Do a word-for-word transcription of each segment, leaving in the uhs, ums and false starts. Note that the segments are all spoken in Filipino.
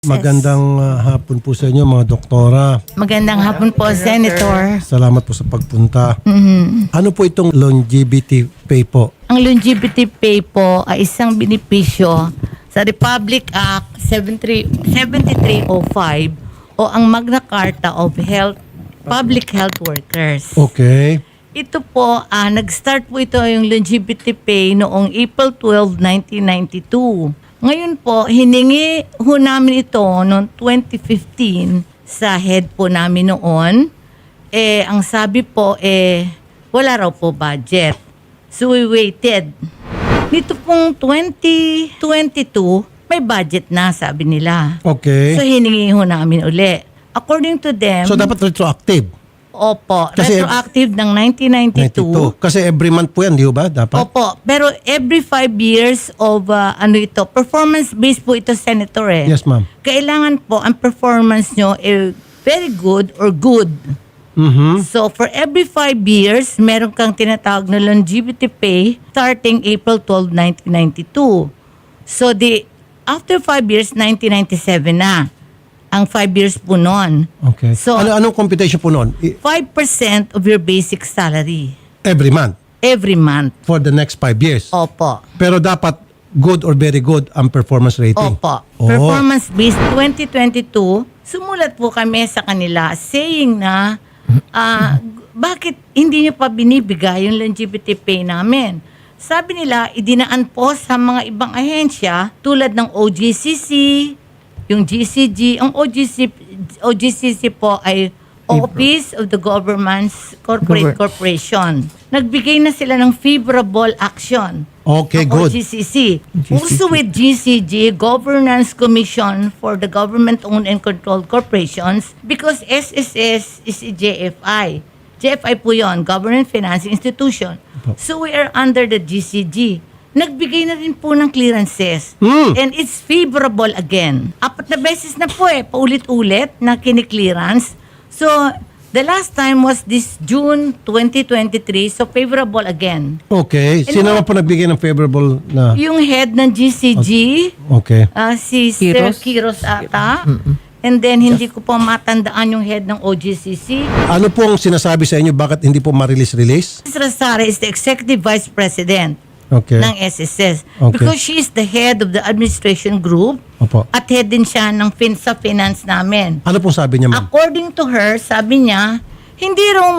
Magandang uh, hapon po sa inyo mga doktora. Magandang hapon po, Senator. Salamat po sa pagpunta. Mhm. Ano po itong longevity pay po? Ang longevity pay po ay isang benepisyo sa Republic Act seventy-three oh five o ang Magna Carta of Health Public Health Workers. Okay. Ito po, ah, nag-start po ito yung longevity pay noong April twelfth, nineteen ninety-two. Ngayon po, hiningi ho namin ito noong twenty fifteen sa head po namin noon. Eh, ang sabi po, eh, wala raw po budget. So we waited. Nito pong twenty twenty-two, may budget na, sabi nila. Okay. So hiningi ho namin uli. According to them, So dapat retroactive? opo, Kasi- retroactive ng nineteen ninety-two. ninety-two. Kasi every month po yan, di ba? Dapat? Opo, pero every five years of uh, ano ito, performance-based po ito, Senator eh. Yes, ma'am. Kailangan po ang performance nyo eh, very good or good. Mm-hmm. So for every five years, meron kang tinatawag na longevity pay starting April twelfth, nineteen ninety-two. So the after five years, nineteen ninety-seven na. Ang five years po noon. Okay. So- ano, anong computation po noon? I- five percent of your basic salary Every month every month. for the next five years. Opo. Pero dapat good or very good ang performance rating. Opo. Oh. Performance-based twenty twenty-two, sumulat po kami sa kanila saying na ah, bakit hindi nyo pa binibigay yung longevity pay namin? Sabi nila, idinaan po sa mga ibang ahensya tulad ng O G C C, yung G C G. Ang O G C, O G C C po ay Office of the Government's Corporate Corporation. Nagbigay na sila ng favorable action. Okay, Ang good. O G C C. Also with G C G, Governance Commission for the Government-Owned and Controlled Corporations, because S S S is a J F I. J F I po yun, Government Financing Institution. So we are under the G C G. Nagbigay na rin po ng clearances. Hmm. And it's favorable again. Apat na beses na po eh, paulit-ulit na kini-clearance. So, the last time was this June twenty twenty-three, so favorable again. Okay. Sino naman po nagbigay ng favorable na? Yung head ng G C G, Okay. ah, si Sir Kiros ata. And then, hindi ko po matandaan yung head ng O G C C. Ano pong sinasabi sa inyo bakit hindi po ma-release-release? Miz Razara is the Executive Vice President Okay. ng S S S. Okay. Because she is the head of the administration group Opo. at head din siya ng fin sa finance namin. Ano pong sabi niya, ma'am? According to her, sabi niya, hindi raw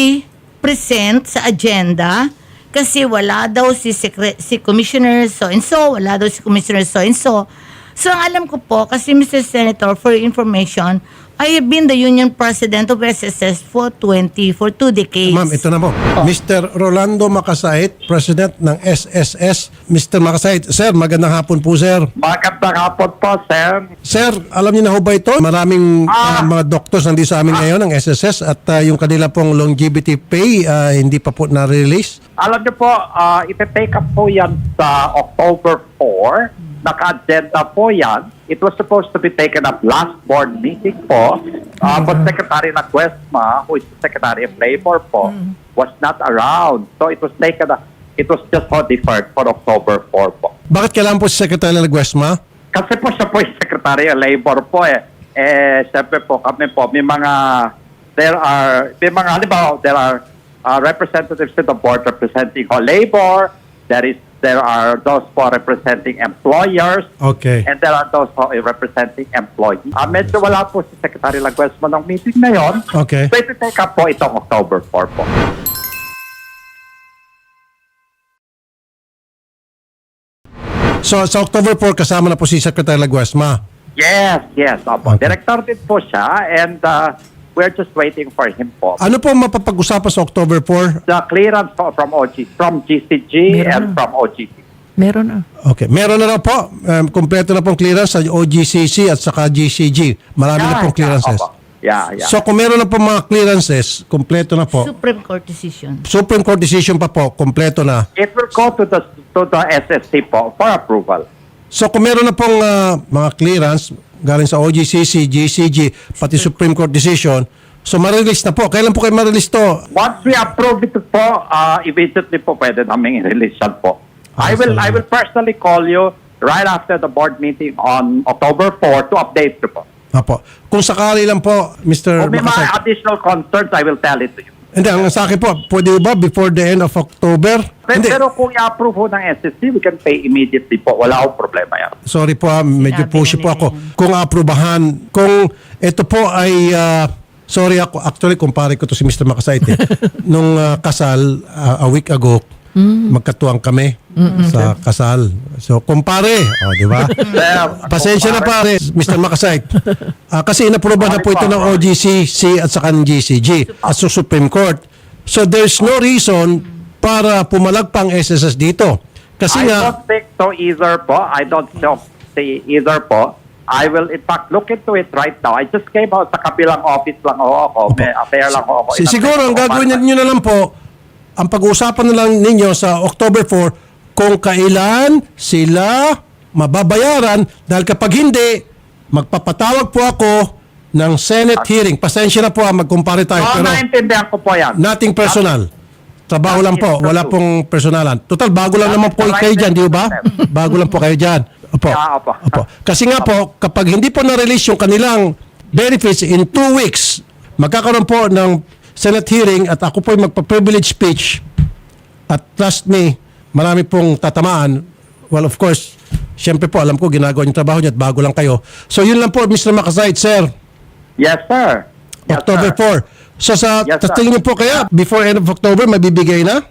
mai-present sa agenda kasi wala daw si, secre- si Commissioner so-and-so, wala daw si Commissioner so-and-so. So, ang alam ko po, kasi Mister Senator, for your information, I have been the union president of S S S for twenty, for two decades. Ma'am, ito na po. Oh. Mister Rolando Makasait, President ng S S S. Mister Makasait, Sir, magandang hapon po, Sir. Magandang hapon po, sir. Sir, alam niyo na ho ba ito? Maraming uh, Ah. mga doctors nandito sa amin ngayon ng S S S at uh, yung kanila pong longevity pay uh, hindi pa po na-release. Alam niyo po, uh, iti-take up po yan sa October fourth. Naka-agenda po yan. It was supposed to be taken up last board meeting po. Uh, but Secretary na Cuesma, who is the Secretary of Labor po, was not around. So it was taken up, it was just so deferred for October fourth po. Bakit kailangan po si Secretary Laguesma? Kasi po siya po yung Secretary of Labor po eh. Eh, siyempre po kami po, may mga, there are, may mga, halimbawa, there are uh, representatives to the board representing all labor, there is, there are those po representing employers, Okay. and there are those po representing employees. Uh, medyo wala po si Secretary Laguesma ng meeting na yon. Okay. So ito take up po itong October fourth po. So sa October fourth, kasama na po si Secretary Laguesma. Yes, yes. Opo. Okay. Director din po siya, and uh, we're just waiting for him po. Ano po mapapag-usapan sa October fourth? The clearance po from O G, from G C G and from O G C. Meron na. Okay. Meron na raw po. Um, kompleto na pong clearance sa O G C C at saka G C G. Marami na pong clearances. Opo. Yeah, yeah. So kung meron na po mga clearances, kompleto na po. Supreme Court decision. Supreme Court decision pa po, kompleto na. It will go to the to the S S C po for approval. So kung meron na pong ah, mga clearance galing sa O G C C, G C G, pati Supreme Court decision, so ma-release na po. Kailan po kayo ma-release to? Once we approve it po, uh, immediately po pwede namin i-release yan po. I will I will personally call you right after the board meeting on October fourth to update you po. Apo. Kung sakali lang po, Mister Kung may Makasay. mga additional concerns, I will tell it to you. Hindi, ang sa akin po, pwede ba before the end of October? Pero, Hindi. pero kung i-approve ho ng S S C, we can pay immediately po. Wala akong problema yan. Sorry po, ah, medyo Sinabi pushy na po nila ako. yan. Kung aprobahan, kung ito po ay, ah, sorry ako, actually kumpare ko to si Mister Makasait eh. Nung ah, kasal, ah, a week ago, magkatuwang kami sa kasal. So, kumpare, oh, di ba? Sir, Pasensya na pare, Mister Makasait. Ah, kasi inaprobahan na po ito ng O G C C at saka ng G C G at sa Supreme Court. So there's no reason para pumalag pang S S S dito. Kasi I nga, don't think so either po. I don't so- say either po. I will in fact look into it right now. I just came out sa kabilang office lang ho ako. May affair lang ho ako. si, siguro ang gagawin ninyo na lang po, ang pag-uusapan na lang ninyo sa October fourth kung kailan sila mababayaran dahil kapag hindi, magpapatawag po ako ng Senate hearing. Pasensya na po, ah, magkumpare tayo. Oo, Pero naintindihan ko po yan. nothing personal. Trabaho lang po. Wala pong personalan. Total, bago lang naman po kayo dyan, di ba? Bago lang po kayo dyan. Opo. Yeah, opo. Opo. Kasi nga po, kapag hindi po na-release yung kanilang benefits in two weeks, magkakaroon po ng Senate hearing at ako po magpa-privilege speech. At trust me, marami pong tatamaan. Well, of course, syempre po, alam ko, ginagawa yung trabaho niya at bago lang kayo. So, yun lang po, Mister Makasait, sir. Yes, sir. Yes, October sir. fourth. So sa Yes, sir. tingin niyo po kaya before end of October mabibigay na?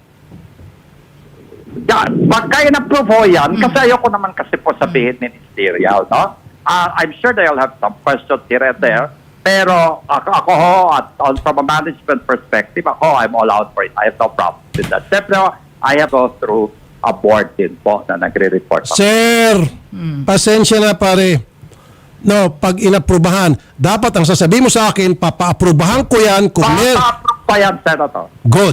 Yeah, pagka in-approve ho yan, kasi ayoko naman kasi po sabihin ministerial, no? Ah, I'm sure they'll have some questions here and there. Pero ako, ako ho, at on, from a management perspective, ako, I'm all out for it. I have no problem with that. Siyempre, ho, I have go through a board din po na nagre-report. ako. Sir, pasensya na pare. No, pag inaprubahan, dapat ang sasabihin mo sa akin, papa-aprubahan ko yan kung mer- Pa-approve pa yan, Senator. Good.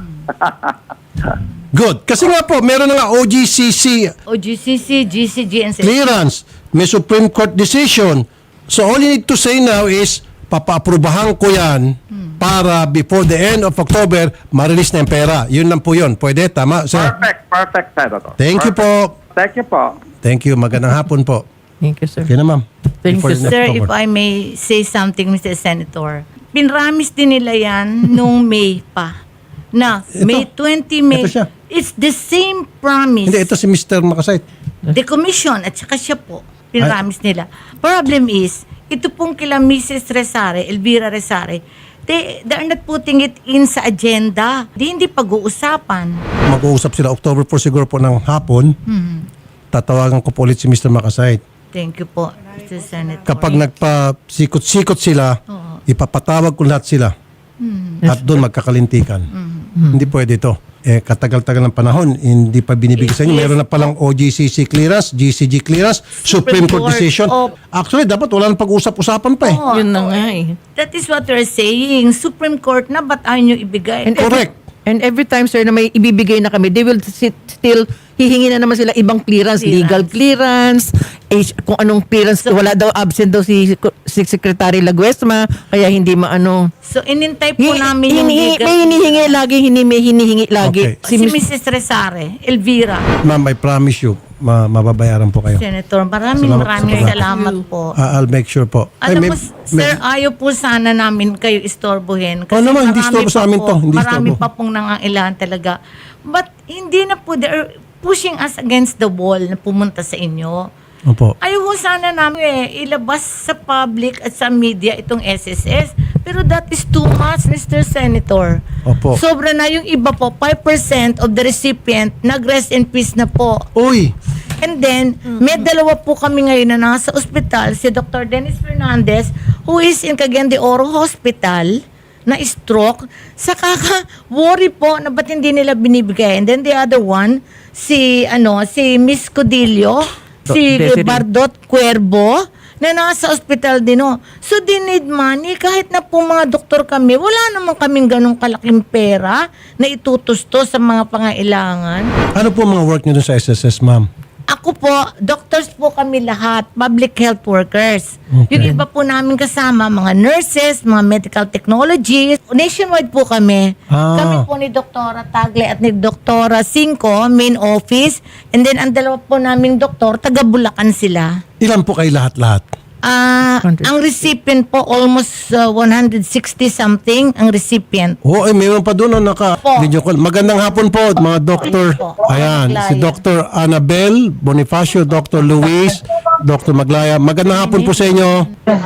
Good. Kasi nga po, meron na nga O G C C O G C C, G C G, and clearance, may Supreme Court decision. So all you need to say now is, papa-aprubahan ko yan para before the end of October, ma-release na yung pera. Yun lang po yun. Pwede? Tama, sir? Perfect, perfect, Senator. Thank you Perfect. po. Thank you po. Thank you. Magandang hapon po. Thank you, sir. Okay na, ma'am. Thank Before you, the Sir, October. if I may say something, Mister Senator. Pinramis din nila yan nung May pa. Na, Ito. May twentieth May. Ito siya. It's the same promise. Hindi, ito si Mister Makasait. The commission at saka siya po. Pinramis nila. Problem is, ito pong kila Missus Resare, Elvira Resare, they, they are not putting it in sa agenda. Di hindi pag-uusapan. Mag-uusap sila October fourth siguro po ng hapon. Tatawagan ko po ulit si Mister Makasait. Thank you po, Mister Senator. Kapag nagpa-sikot-sikot sila, ipapatawag ko lahat sila. At doon magkakalintikan. Hindi pwede ito. Eh, katagal-tagal ng panahon, hindi pa binibigay sa inyo. Meron na palang O G C C clearance, G C G clearance, Supreme Court Court decision. of- Actually, dapat wala nang pag-usap-usapan pa eh. Oo. Yun na nga eh. That is what we're saying. Supreme Court na, ba't ayaw nyo ibigay? And Correct. Every, and every time, sir, na may ibibigay na kami, they will sit, still hihingi na naman sila ibang clearance, Clearance. legal clearance, H, kung anong clearance, wala daw absent daw si, si Secretary Laguesma, kaya hindi maano. So, inintay po Hi- namin yung hinihi- legal. may hinihingi lagi, hindi may hinihingi lagi. Okay. Si, Si Miss- Missus Resare, Elvira. Ma'am, I promise you, ma- mababayaran po kayo. Senator, maraming Salamat. maraming Salamat. salamat po. Ah, I'll make sure po. Ay, Alam may- mo, sir, ayaw po sana namin kayo istorbohin. Oh, naman, hindi marami istorbo sa pa amin po- to, hindi Marami istorbo. pa pong nangangailangan talaga. But hindi na po, they're pushing us against the wall na pumunta sa inyo. Opo. Ayaw ko sana namin eh, ilabas sa public at sa media itong S S S. Pero that is too much, Mister Senator. Opo. Sobra na yung iba po, five percent of the recipient nag-rest in peace na po. Uy! And then, may dalawa po kami ngayon na nasa ospital, si Doctor Dennis Fernandez, who is in Cagayan de Oro Hospital, na stroke. Sa kaka-worry po na ba't hindi nila binibigay. And then the other one, si, ano, si Miss Codillo, si Desiree. Bardot Cuervo, na nasa ospital din. Oh. So, they need money. Kahit na po mga doktor kami, wala naman kaming ganong kalaking pera na itutusto sa mga pangailangan. Ano po mga work niyo dun sa S S S, ma'am? Ako po, doctors po kami lahat, public health workers. Okay. Yung iba po namin kasama, mga nurses, mga medical technologists. Nationwide po kami. Ah. Kami po ni Doktora Tagle at ni Doktora Cinco, main office. And then ang dalawa po naming doktor, taga Bulacan sila. Ilan po kayo lahat-lahat? Ah, ang recipient po almost uh, one hundred sixty something ang recipient. Oo, eh, mayroon pa doon no, naka Po. video call. Magandang hapon po, mga doktor. Po. Ayan, si Maglaya. Doctor Annabel Bonifacio, Doctor Luis, Doctor Maglaya. Magandang hapon po sa inyo.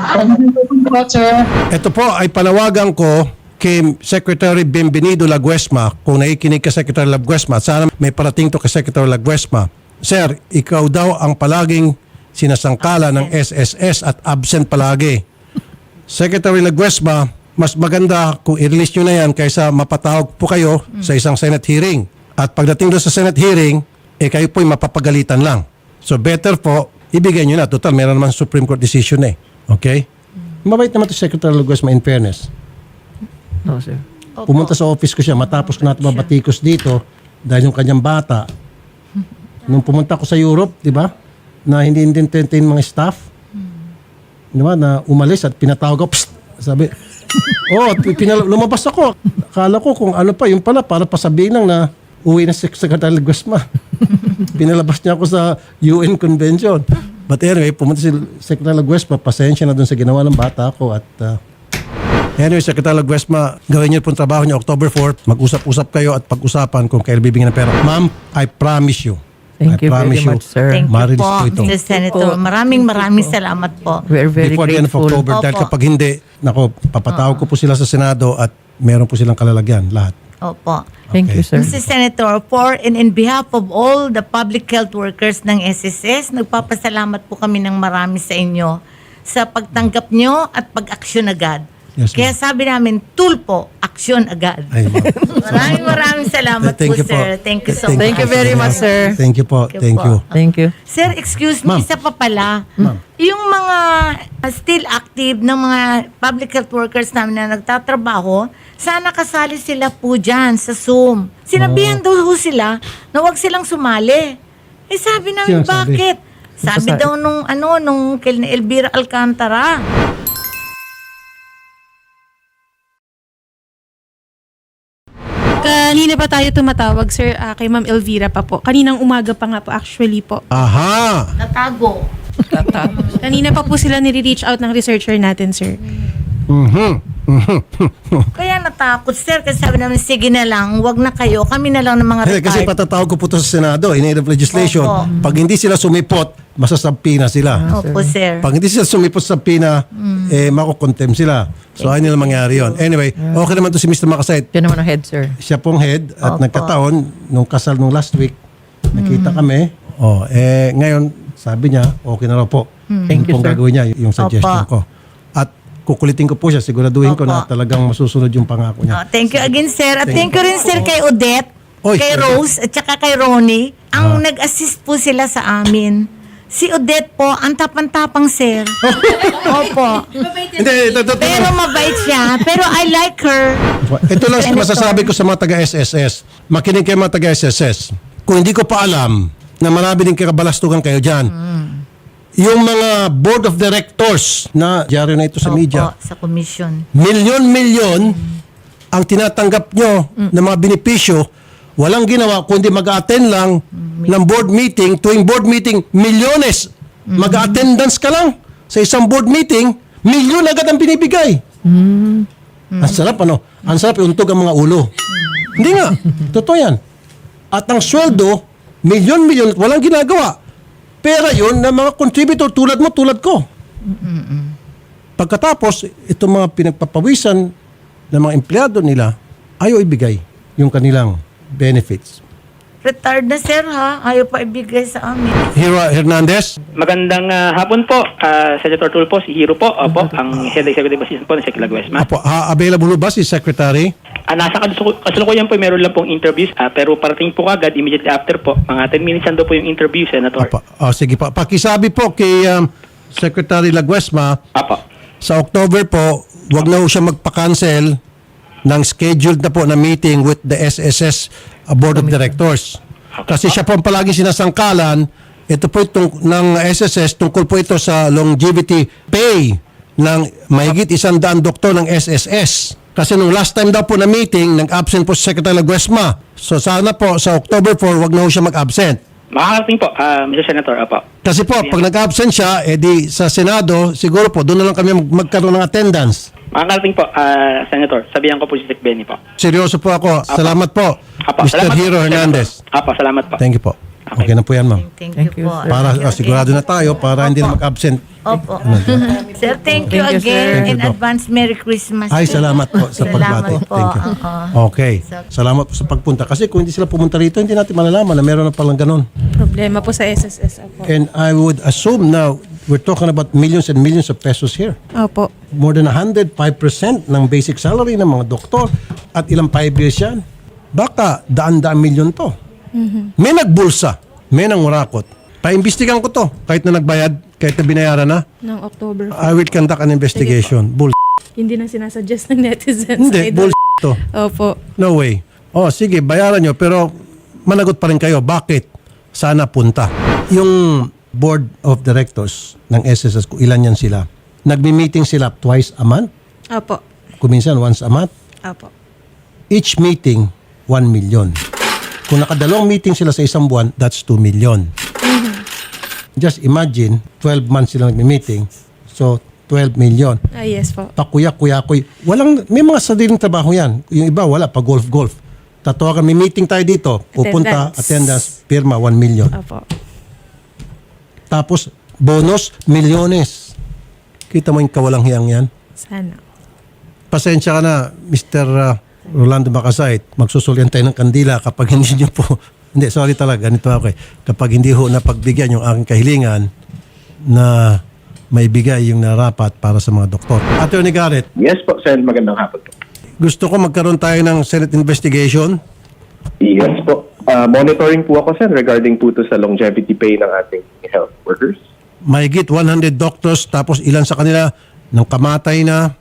Ito po ay panawagan ko kay Secretary Bienvenido Laguesma. Kung nakikinig ka Secretary Laguesma, at sana may parating to kay Secretary Laguesma. Sir, ikaw daw ang palaging sinasangkala ng S S S at absent palagi. Secretary Laguesma, mas maganda kung i-release nyo na yan kaysa mapatawag po kayo sa isang Senate hearing. At pagdating doon sa Senate hearing, eh kayo po'y mapapagalitan lang. So better po, ibigay nyo na. Total, meron naman Supreme Court decision eh. Okay? Mabait naman to Secretary Laguesma in fairness. No, sir. Pumunta sa office ko siya, matapos ko natin mabatikos dito dahil yung kanyang bata. Nung pumunta ko sa Europe, di ba? Na hindi entertain mga staff. Di ba? Na umalis at pinatawag ko, psst! Sabi, oh, pinal- lumabas ako. Akala ko kung ano pa, yung pala, para pasabihin lang na uwi na si Secretary Laguesma. Pinalabas niya ako sa U N Convention. But anyway, pumunta si Secretary Laguesma, pasensya na dun sa ginawa ng bata ko at uh, anyway, Secretary Laguesma, gawin niyo po yung trabaho niyo October fourth. Mag-usap-usap kayo at pag-usapan kung kailan bibigyan ng pera. Ma'am, I promise you. Thank I you promise very much, sir. Thank you Marilis po, po ito. Mister Senator. Maraming maraming salamat po. We're very Before the end of grateful. October. Dahil Opo. kapag hindi, nako, papatawag ko po sila sa Senado at meron po silang kalalagyan, lahat. Opo. Thank you, sir. Mister Senator, for and in behalf of all the public health workers ng S S S, nagpapasalamat po kami ng marami sa inyo sa pagtanggap nyo at pag-aksyon agad. Yes, ma'am. Kaya sabi namin, tulpo, aksyon agad. Ay, ma'am. Maraming maraming salamat Thank po, you po. sir. Thank you so Thank much. Thank you very much, sir. Thank you po. Thank you Thank po. you. Thank you. Sir, excuse me, Ma'am. isa pa pala. Yung mga uh, still active ng mga public health workers namin na nagtatrabaho, sana kasali sila po dyan sa Zoom. Sinabihan daw ho sila na huwag silang sumali. Eh sabi namin, Sino sabi? bakit? Sabi Basta- daw nung ano, nung kay Elvira Alcantara. Kanina pa tayo tumatawag, sir, ah, kay Ma'am Elvira pa po. Kaninang umaga pa nga po, actually po. Aha! Natago. Kanina pa po sila nire-reach out ng researcher natin, sir. Mhm. Kaya natakot, sir. Kasi sabi namin, sige na lang, wag na kayo. Kami na lang ng mga Eh, kasi retired. patatawag ko po ito sa Senado in aid of legislation. Opo. Pag hindi sila sumipot, masasampi na sila. Opo, sir. Pag hindi sila sumipot sa pina, eh, makukontem sila. So, ayun nila mangyari yun. Anyway, okay naman to si Mister Makasait. Yan naman ang head, sir. Siya pong head at Opo. nagkataon, nung kasal nung last week, nakita kami. Oh, eh, ngayon, sabi niya, okay na raw po. Thank Yung you, pong sir. gagawin niya, yung suggestion Opo. ko. At kukulitin ko po siya, siguraduhin ko Opo. na talagang masusunod yung pangako Oh, niya. thank you again, sir. At Thank thank you rin, sir, kay Odette, Oy, kay sir. Rose, at saka kay Ronnie. Ang nag-assist po sila sa amin. Si Odette po, ang tapang-tapang, sir. Opo. Hindi, ito, ito, ito. Pero mabait siya. Pero I like her. Ito lang Senator. masasabi ko sa mga taga-S S S. Makinig kayo mga taga-S S S. Kung hindi ko pa alam na marami din kakabalastugan kayo dyan, yung mga board of directors na dyaryo na ito sa media, Opo, sa commission. milyon-milyon ang tinatanggap nyo ng mga benepisyo, walang ginawa kundi mag-attend lang ng board meeting. Tuwing board meeting, milyones. Mag-attendance ka lang sa isang board meeting, milyon agad ang binibigay. Ang sarap ano? Ang sarap iuntog ang mga ulo. Hindi nga. Totoo yan. At ang sweldo, milyon-milyon, walang ginagawa. Pera yun ng mga contributor tulad mo, tulad ko. Pagkatapos, itong mga pinagpapawisan ng mga empleyado nila, ayaw ibigay yung kanilang benefits. Retired na, sir, ha? Ayaw pa ibigay sa amin. Hero Hernandez, Magandang ah, hapon po, ah, Senator Tulfo, si Hiro po, opo, ang Head Executive Assistant po ng Secretary Laguesma. apo, ha, available ba si Secretary? Ah, nasa kalusu- kasalukuyan po, meron lang pong interviews, ah, pero parating po agad, immediately after po, mga ten minutes ando po yung interview, Senator. Apo, oh, sige pa. Pakisabi po kay um, Secretary Laguesma, Apo. sa October po, wag na po siya magpa-cancel ng scheduled na po na meeting with the S S S Board of Directors. Kasi siya po ang palagi sinasangkalan Ito po itong, ng S S S, tungkol po ito sa longevity pay ng mahigit isang daang doktor ng S S S. Kasi nung last time daw po na meeting, nag-absent po si Secretary Laguesma. So sana po sa October fourth, wag na po siya mag-absent. Makakarating po, ah, Mister Senator, apo. Kasi po, pag nag-absent siya, edi sa Senado, siguro po, doon na lang kami mag- magkaroon ng attendance. Makakarating po, ah, Senator. Sabihan ko po si Sec Benny po. Seryoso po ako. Salamat po, Apo, Mister salamat po, Hero Senator. Hernandez. Apo, salamat po. Thank you po. Okay, Okay. na po yan, ma'am. Thank, Thank you you, po. sir. Para Okay, ah, sigurado na tayo, para hindi na mag-absent. Opo. Sir, thank you Thank you, sir. again. Thank you, In Doc. advance, Merry Christmas. Ay, salamat po sa pagbati. Salamat po. Thank you. Oo. Okay. Salamat po sa pagpunta. Kasi kung hindi sila pumunta rito, hindi natin malalaman na meron na palang ganun. Problema po sa S S S. Opo. And I would assume now, we're talking about millions and millions of pesos here. Opo. More than one hundred five percent ng basic salary ng mga doktor at ilang five years yan. Baka daan-daan milyon to. May nagbulsa, may nangurakot. Paimbestigan ko to. Kahit na nagbayad, kahit na binayaran na, Ng October. I will conduct an investigation. Bull. Hindi na sinasuggest ng netizens. Hindi, Idol. bull to. Opo. No way. Oh, sige, bayaran nyo. Pero managot pa rin kayo. Bakit? Sana punta. Yung board of directors ng S S S, kung ilan yan sila, nagmi-meeting sila twice a month. Opo. Kuminsan once a month. Opo. Each meeting, one million. Kung nakadalawang meeting sila sa isang buwan, that's two million. Just imagine, twelve months sila nagmi-meeting. So, twelve million. Ah, yes po. Pakuyak-kuyakoy. Walang, may mga sariling trabaho yan. Yung iba, wala. Pa golf-golf. Tatawagan, may meeting tayo dito. Pupunta, Attendance. attendance, pirma, one million. Opo. Tapos, bonus, milyones. Kita mo yung kawalang hiyang yan? Sana. Pasensya ka na, Mister uh, Rolando Macasait. Magsusulyan tayo ng kandila kapag hindi nyo po... Hindi, sorry talaga. Ganito ako eh. Kapag hindi ho napagbigyan yung aking kahilingan na may bigay yung narapat para sa mga doktor. Attorney Garrett, Yes po, Sen. Magandang hapon po. gusto ko magkaroon tayo ng Senate investigation. Yes po. Uh, monitoring po ako, Sen, regarding po to sa longevity pay ng ating health workers. Mahigit one hundred doctors tapos ilan sa kanila nang kamatay na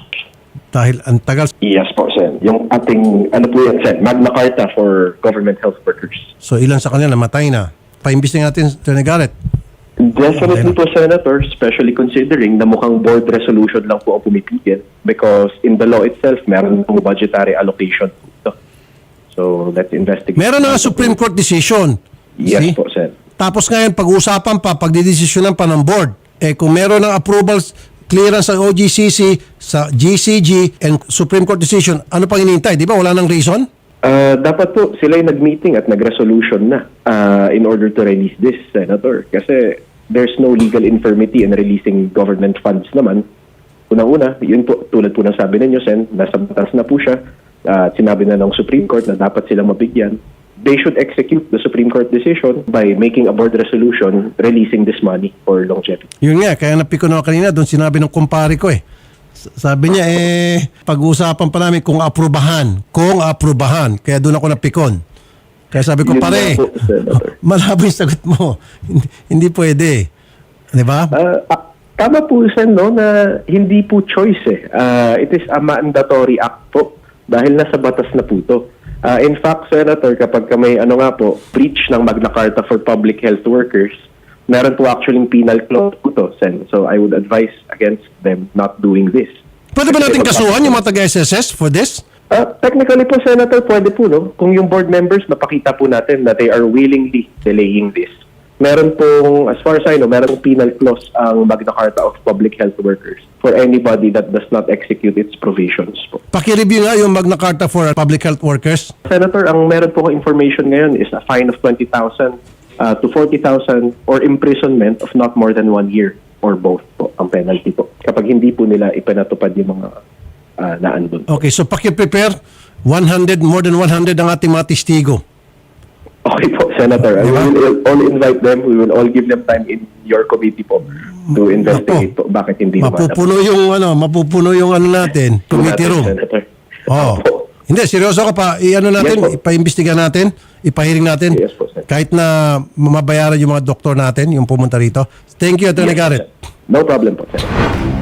dahil ang tagal. Yes po, Sen. Yung ating, ano po yan, Sen, Magna Carta for government health workers. So ilan sa kanila namatay na. Paimbis na natin, Attorney Garrett. Definitely po, Senator, especially considering na mukhang board resolution lang po ang pumipigil because in the law itself, meron pong budgetary allocation po ito. So, let's investigate. Meron na nga Supreme Court decision. Yes See? po, Sen. Tapos ngayon, pag-uusapan pa, pagdidesisyonan pa ng board. Eh kung meron ng approvals, clearance sa O G C C, sa G C G, and Supreme Court decision, ano pang inintay? Di ba? Wala nang reason? Uh, dapat po sila yung nag-meeting at nag-resolution na uh, in order to release this, Senator. Kasi there's no legal infirmity in releasing government funds naman. Unang-una, yun po, tulad po ng sabi ninyo, Sen, nasa batas na po siya. Uh, sinabi na ng Supreme Court na dapat silang mabigyan. They should execute the Supreme Court decision by making a board resolution releasing this money for longevity. Yun nga, kaya napiko na ako kanina, doon sinabi ng kumpare ko eh. S- Sabi niya eh, pag-uusapan pa namin kung aprubahan. Kung aprubahan. Kaya doon ako napikon. Kaya sabi ko, Yun pare, nga po, Senator. malabo yung sagot mo. hindi, hindi pwede. Di ba? Uh, ah, tama po, Sen, no, na hindi po choice eh. Uh, it is a mandatory act po dahil nasa batas na po ito. Uh, in fact, Senator, kapag ka may ano nga po, breach ng Magna Carta for public health workers, meron po actually penal clause po to, Sen. So I would advise against them not doing this. Pwede ba natin kasuhan yung mga taga-S S S for this? Uh, technically po, Senator, pwede po, no? Kung yung board members, napakita po natin that they are willingly delaying this. Meron pong, as far as I know, meron pong penal clause ang Magna Carta of Public Health Workers for anybody that does not execute its provisions po. Paki-review nga yung Magna Carta for Public Health Workers. Senator, ang meron po ko information ngayon is a fine of twenty thousand uh, to forty thousand or imprisonment of not more than one year or both po ang penalty po. Kapag hindi po nila ipinatupad yung mga uh, naandun. Okay, so paki-prepare one hundred, more than one hundred ang ating mga testigo. Okay po, Senator. We will all invite them. We will all give them time in your committee po to investigate po bakit hindi naman. Mapupuno yung ano, mapupuno yung ano natin, committee room. Senator. Oh. Opo. Hindi, seryoso ka pa. I-ano natin, Yes po. ipa-imbestiga natin, ipahiring natin. Yes po, sir. Kahit na mabayaran yung mga doktor natin, yung pumunta rito. Thank you, Attorney Yes, Garrett. sir. No problem po, Senator.